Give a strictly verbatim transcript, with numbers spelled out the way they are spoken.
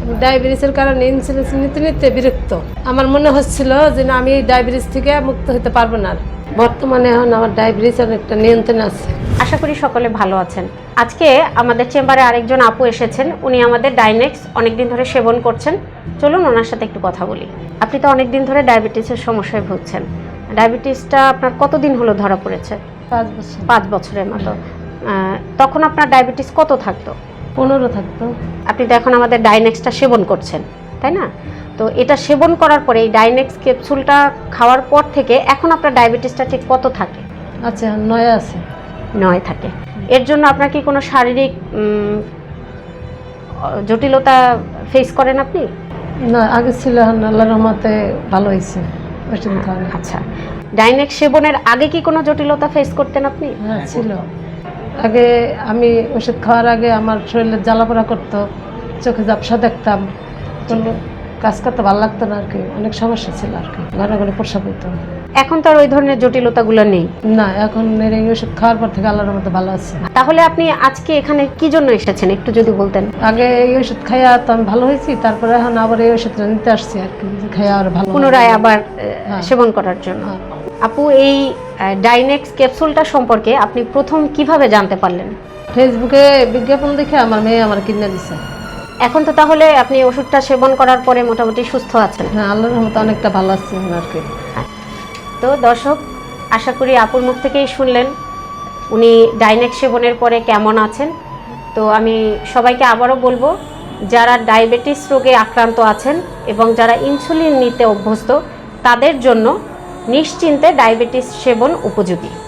ডায়াবেটিসের কারণে ইনসুলিন নিতে নিতে বিরক্ত। আমার মনে হচ্ছিল যে না, আমি ডায়াবেটিস থেকে মুক্ত হতে পারবো না। বর্তমানে এখন আমার ডায়াবেটিস অনেকটা নিয়ন্ত্রণে আছে। আশা করি সকলে ভালো আছেন। আজকে আমাদের চেম্বারে আরেকজন আপু এসেছেন, উনি আমাদের ডাইনেক্স অনেকদিন ধরে সেবন করছেন। চলুন ওনার সাথে একটু কথা বলি। আপনি তো অনেকদিন ধরে ডায়াবেটিসের সমস্যায় ভুগছেন। ডায়াবেটিসটা আপনার কতদিন হলো ধরা পড়েছে? পাঁচ বছর। পাঁচ বছরের মতো। তখন আপনার ডায়াবেটিস কত থাকতো? পনেরো থাকতো। আপনি তো এখন আমাদের ডাইনেক্সটা সেবন করছেন, তাই না? তো এটা সেবন করার পরে এই ডাইনেক্স ক্যাপসুলটা খাওয়ার পর থেকে এখন আপনার ডায়াবেটিসটা ঠিক কত থাকে? আচ্ছা, নয় আছে। নয় থাকে। এর জন্য আপনার কি কোনো শারীরিক জটিলতা ফেস করেন আপনি? না, আগে ছিল, আল্লাহর রহমতে ভালো হয়েছে। আচ্ছা, ডাইনেক্স সেবনের আগে কি কোনো জটিলতা ফেস করতেন আপনি? হ্যাঁ, ছিল। আগে আমি ওষুধ খাওয়ার আগে আমার শরীরে জ্বালাপোড়া করতো, চোখে ঝাপসা দেখতাম, কোনো কাজ করতে ভালো লাগতো না আর কি। অনেক সমস্যা ছিল আর কি, ঘরে ঘরে প্রসাব হইতো। এখন তো আর ওই ধরনের জটিলতাগুলো নেই? না, এখন এই ওষুধ খাওয়ার পর থেকে আল্লাহর রহমতে ভালো আছে। তাহলে আপনি আজকে এখানে কি জন্য এসেছেন একটু যদি বলতেন? আগে এই ওষুধ খাইয়া তো আমি ভালো হয়েছি, তারপরে এখন আবার এই ওষুধটা নিতে আসছি আর কি, খাইয়া আর ভালো পুনরায় আবার সেবন করার জন্য। আপু, এই ডাইনেক্স ক্যাপসুলটা সম্পর্কে আপনি প্রথম কিভাবে জানতে পারলেন? ফেসবুকে বিজ্ঞাপন দেখে আমার মেয়ে আমার কিনে দিছে। এখন তো তাহলে আপনি ওষুধটা সেবন করার পরে মোটামুটি সুস্থ আছেন? হ্যাঁ, আল্লাহর রহমতে অনেকটা ভালো আছে আর কি। তো দর্শক, আশা করি আপুর মুখ থেকেই শুনলেন উনি ডাইনেক্স সেবনের পরে কেমন আছেন। তো আমি সবাইকে আবারও বলবো, যারা ডায়াবেটিস রোগে আক্রান্ত আছেন এবং যারা ইনসুলিন নিতে অভ্যস্ত, তাদের জন্য নিশ্চিন্তে ডায়াবেটিস সেবন উপযোগী।